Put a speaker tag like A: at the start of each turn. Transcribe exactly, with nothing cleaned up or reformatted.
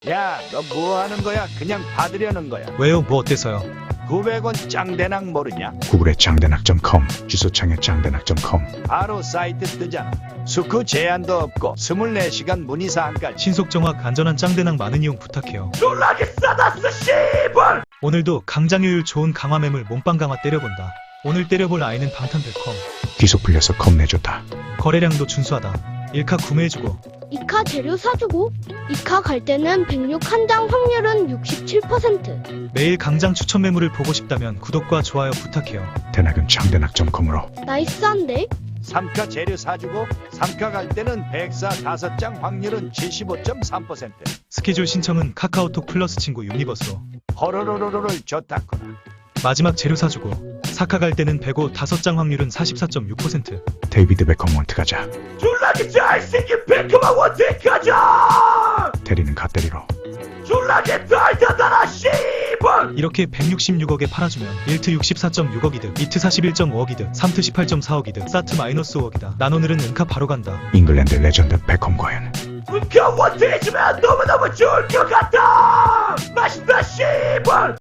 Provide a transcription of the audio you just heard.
A: 야, 너 뭐 하는 거야? 그냥 받으려는 거야.
B: 왜요? 뭐 어때서요?
A: 구백 원 짱대낙 모르냐?
C: 구글의 짱대낙 닷컴, 주소창에 짱대낙 닷컴.
A: 바로 사이트 뜨잖아. 수크 제한도 없고 이십사 시간 문의사항까지.
B: 신속 정확 안전한 짱대낙 많은 이용 부탁해요.
A: 놀라게 싸다스 씨발!
B: 오늘도 강장효율 좋은 강화매물 몸빵 강화 때려본다. 오늘 때려볼 아이는 방탄백컴.
C: 뒤소 풀려서 겁내줬다.
B: 거래량도 준수하다. 일카 구매해주고
D: 이카 재료 사주고 이카 갈 때는 백육 한 장 확률은 육십칠 퍼센트.
B: 매일 강장 추천 매물을 보고 싶다면 구독과 좋아요 부탁해요.
C: 대낙은 짱대낙 닷컴으로.
D: 나이스한데?
A: 삼카 재료 사주고 삼카 갈 때는 백사 다섯 장 확률은 칠십오 점 삼 퍼센트.
B: 스케줄 신청은 카카오톡 플러스 친구 유니버스로.
A: 허로로로로를 줬다구나.
B: 마지막 재료 사주고 사카 갈 때는 백오 다섯 장 확률은 사십사 점 육 퍼센트.
C: 데이비드 베컴 원트 가자.
A: 졸라게 잘생긴 베컴아 원택 가자!
C: 대리는 갓대리로.
A: 졸라게 달달하다 씨발!
B: 이렇게 백육십육억에 팔아주면 일 트 육십사 점 육억 이득, 이 트 사십일 점 오억 이득, 삼 트 십팔 점 사억 이득, 사 트 마이너스 오억이다. 난 오늘은 은카 바로 간다.
C: 잉글랜드 레전드 베컴 과연.
A: 은카 원택 해주면 너무너무 좋을 것 같다! 맛있다 씨발!